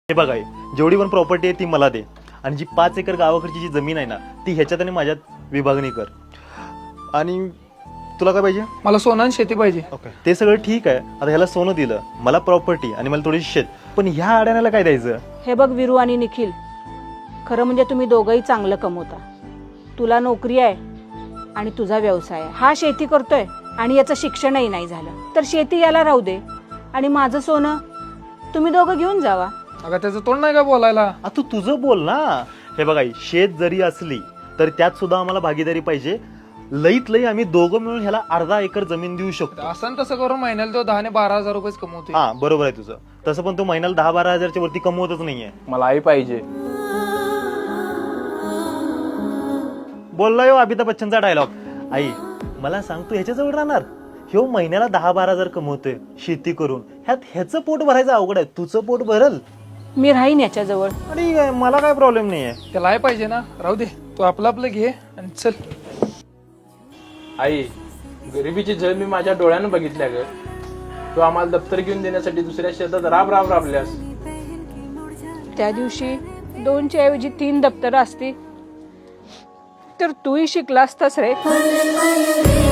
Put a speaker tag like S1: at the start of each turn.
S1: हे बघा, जेवढी पण प्रॉपर्टी आहे ती मला दे, आणि जी 5 एकर गावाकडची जी जमीन आहे ना ती ह्याच्यात आणि माझ्यात विभागणी कर. आणि तुला काय पाहिजे?
S2: मला सोनं आणि शेती पाहिजे.
S1: ओके, ते सगळं ठीक आहे. आता ह्याला सोनं दिलं, मला प्रॉपर्टी आणि मला थोडीशी शेत, पण ह्या अडाण्याला काय द्यायचं?
S3: हे बघ विरू आणि निखिल, खरं म्हणजे तुम्ही दोघंही चांगलं कमवता. तुला नोकरी आहे आणि तुझा व्यवसाय आहे. हा शेती करतोय आणि याचं शिक्षणही नाही झालं, तर शेती याला राहू दे आणि माझं सोनं तुम्ही दोघं घेऊन जावा.
S2: अगं त्याचं तोंड नाही का बोलायला?
S1: तू तुझं बोल ना. हे बघा, शेत जरी असली तर त्यात सुद्धा आम्हाला भागीदारी पाहिजे. लईत लई आम्ही दोघं मिळून ह्याला अर्धा एकर जमीन देऊ शकतो.
S2: असं तसं करून महिन्याला तो 10 ने 12,000 रुपये कमवते.
S1: हा, बरोबर आहे तुझं. तसं पण तो महिन्याला 10-12 हजारच्या वरती कमवतच नाहीये.
S4: मला आई पाहिजे.
S1: बोलला यो अमिताभ बच्चनचा डायलॉग. आई, मला सांग, तू ह्याच्याजवळ राहणार? ह्यो महिन्याला 10-12 हजार कमवतोय शेती करून, ह्यात ह्याचं पोट भरायचं अवघड आहे, तुझं पोट भरल.
S3: मी राहीन याच्याजवळ.
S1: आणि मला काय प्रॉब्लेम नाहीये.
S2: त्याला आई पाहिजे ना, राहू दे. तू आपलं घे आणि चल.
S4: आई, गरिबीची झळ मी माझ्या डोळ्यानं बघितल्या ग. तू आम्हाला दप्तर घेऊन देण्यासाठी दुसऱ्या शेतात राबल्यास.
S3: त्या दिवशी 2च्या ऐवजी 3 दप्तरं असती तर तूही शिकला असतास रे.